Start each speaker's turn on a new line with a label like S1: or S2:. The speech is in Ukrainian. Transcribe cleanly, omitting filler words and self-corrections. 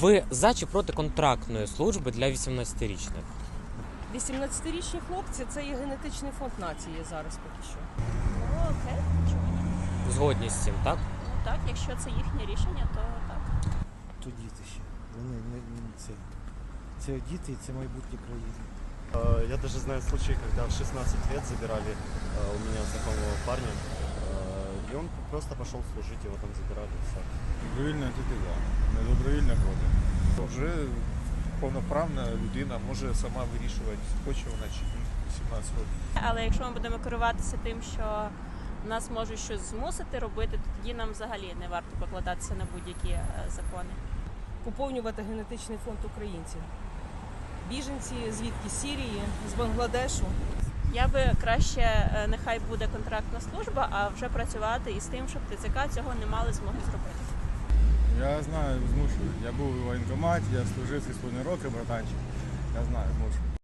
S1: Ви за чи проти контрактної служби для 18-річних?
S2: 18-річні хлопці – це є генетичний фонд нації зараз поки що.
S3: Ну, окей, чому ні?
S1: Згодні з цим, так?
S3: Ну так, якщо це їхнє рішення, то так.
S4: То діти ще. Вони це діти і це майбутнє країни.
S5: Я даже знаю случаи, когда в 16 лет забирали у меня знакомого парня, и он просто пошел служить, его там забирали. Все.
S6: Добровільно тільки за. Недобровільно проти. Вже повноправна людина може сама вирішувати, хоче вона чи ні, 17 років.
S3: Але якщо ми будемо керуватися тим, що нас можуть щось змусити робити, то тоді нам взагалі не варто покладатися на будь-які закони.
S2: Поповнювати генетичний фонд українців. Біженці звідки? з Сирії, з Бангладешу.
S3: Я би краще, нехай буде контрактна служба, а вже працювати із тим, щоб ТЦК цього не мали змоги зробити.
S6: Я знаю, змушую. Я був у воєнкоматі, я служив 3,5 роки, братанчик. Я знаю, змушую.